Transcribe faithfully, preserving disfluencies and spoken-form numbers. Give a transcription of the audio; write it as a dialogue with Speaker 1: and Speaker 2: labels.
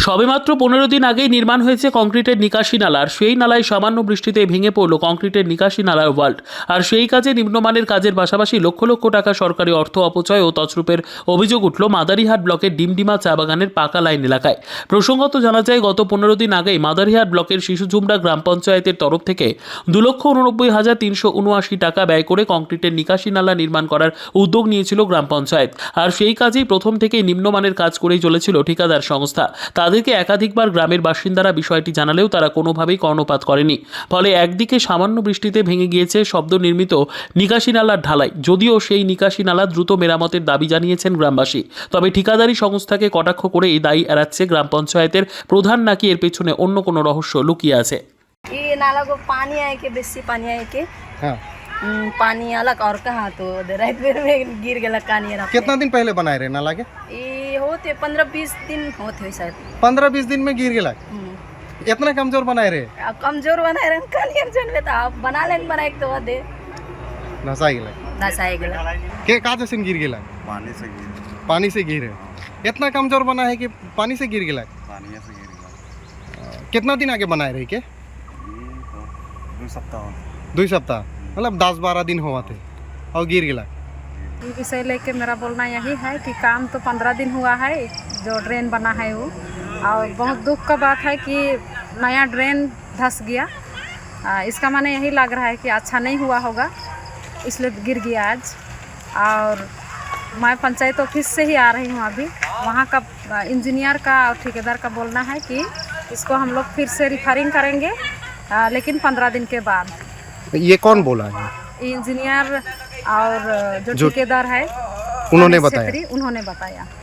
Speaker 1: সবেমাত্র পনেরো দিন আগেই নির্মাণ হয়েছে কংক্রিটের নিকাশি নালা, আর সেই নালায় সামান্য বৃষ্টিতে ভেঙে পড়ল কংক্রিটের নিকাশি নালার ওয়াল্ট। আর সেই কাজে নিম্নমানের কাজের পাশাপাশি লক্ষ লক্ষ টাকা সরকারি অর্থ অপচয় ও তছরূপের অভিযোগ উঠল মাদারিহাট ব্লকের ডিমডিমা চা বাগানের পাকা লাইন এলাকায়। প্রসঙ্গত জানা যায়, গত পনেরো দিন আগেই মাদারিহাট ব্লকের শিশুঝুমরা গ্রাম পঞ্চায়েতের তরফ থেকে দু লক্ষ উননব্বই হাজার তিনশো উনআশি টাকা ব্যয় করে কংক্রিটের নিকাশি নালা নির্মাণ করার উদ্যোগ নিয়েছিল গ্রাম পঞ্চায়েত। আর সেই কাজেই প্রথম থেকেই নিম্নমানের কাজ করেই চলেছিল ঠিকাদার সংস্থা। তাদেরকে একাধিকবার গ্রামের বাসিন্দারা বিষয়টি জানালেও তারা কোনোভাবেই কর্ণপাত করেনি। ফলে একদিকে সামান্য বৃষ্টিতে ভেঙে গিয়েছে শব্দ নির্মিত নিকাশি নালার ঢালাই, যদিও সেই নিকাশি নালা দ্রুত মেরামতের দাবি জানিয়েছেন গ্রামবাসী। তবে ঠিকাদারি সংস্থাকে কটাক্ষ করে এই দায়ী এড়াচ্ছে গ্রাম পঞ্চায়েতের প্রধান, নাকি এর পেছনে অন্য কোনো রহস্য লুকিয়ে আছে।
Speaker 2: ये नाला को पानी आए के बेसी पानी आए के
Speaker 3: हाँ।
Speaker 2: हम्म, पानी अलग और कहाँ तो रात भर में गिर गया कानी रहा।
Speaker 3: कितना दिन पहले बनाए रहे नाला के?
Speaker 2: ये होते पंद्रह बीस दिन होते हुए शायद।
Speaker 3: पंद्रह बीस दिन में गिर गया।
Speaker 2: हम्म,
Speaker 3: इतना कमजोर बनाए रहे?
Speaker 2: अब कमजोर बनाए रहे कानी जन लेता आप बना लेन बनाए तो दे
Speaker 3: नसा गया
Speaker 2: नसाए गया
Speaker 3: के काज से गिर गया?
Speaker 4: पानी से गिर
Speaker 3: पानी से गिरे। इतना कमजोर बना है कि पानी से गिर गया।
Speaker 4: पानी से गिर गया।
Speaker 3: कितना दिन आगे बनाए रहे के?
Speaker 4: दो सप्ताह
Speaker 3: दो सप्ताह मतलब दस बारह दिन हुआ थे और गिर गया।
Speaker 5: ये विषय लेके मेरा बोलना यही है कि काम तो पंद्रह दिन हुआ है जो ड्रेन बना है वो, और बहुत दुख का बात है कि नया ड्रेन धंस गया। आ, इसका माने यही लग रहा है कि अच्छा नहीं हुआ होगा, इसलिए गिर गया आज। और मैं पंचायत ऑफिस से ही आ रही हूँ अभी, वहाँ का इंजीनियर का और ठेकेदार का बोलना है कि इसको हम लोग फिर से रिफरिंग करेंगे, आ, लेकिन पंद्रह दिन के बाद।
Speaker 3: ये कौन बोला है?
Speaker 5: इंजीनियर और जो
Speaker 3: जो-
Speaker 5: ठेकेदार है
Speaker 3: उन्होंने बताया?
Speaker 5: उन्होंने बताया।